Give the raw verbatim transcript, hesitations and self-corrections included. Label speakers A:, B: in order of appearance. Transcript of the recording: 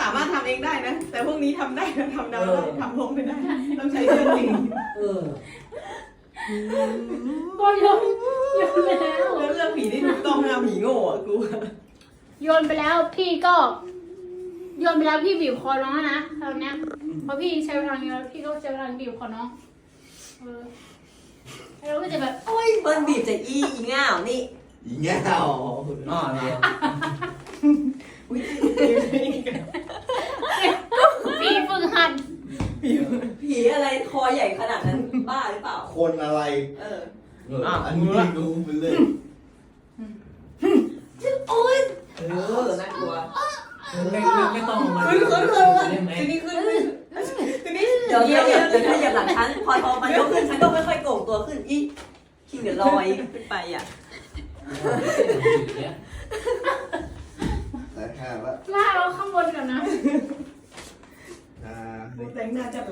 A: ามารถทำเองได้นะแต่พวกนี้ทำได้นะทำได้ทำลงไม่ได้ต้องใช้เรื่องจริง
B: เออ
C: ก็โยนโยนไปแล้ว
A: แล้วเรื่องผีที่ถูกต้องนะผีโง่อะกู
C: โยนไปแล้วพี่ก็โยนไปแล้วพี่บีบคอน้องนะตอนเนี้ยพอพี่ใช้พลังเยอะพี่ก็ใช้พลังบีบคอน้องเออแล้วเราก็จะแบบ
D: โอ้ยเบิ้ลบีบจะอีอีง่าวนี่
E: อีแง่ว
B: อ๋อเหรอ
C: พี่ฝึกหัด
D: ผีอะไรคอใหญ่ขนาดนั้นบ้าหรือเปล่า
E: คนอะไร
D: เออ
B: เอออ่ะ
E: อันนี้ดูไปเลย
D: โอ้ย
B: เอ
D: เอ
B: อ
D: อน่ากลัว
B: ไม่ไม่ไม่ต้องมา
A: ขึ้นขึ้นขึ้น
B: ได้ไหม
A: ทีนี้ขึ้นทีนี้
D: เดี๋ยวเดี๋ยวเดี๋ยวเดี๋ยวถ้าเหยียบหลังฉันพอพอมันยกขึ้นฉันก็ค่อยๆโก่งตัวขึ้นอีคิงเดี๋ยวลอยขึ้นไปอ่ะ
E: แต่แค่ว่า
C: ล่าเราข้างบนก่อนนะ
E: อ่า
A: แต่งหน้าจะ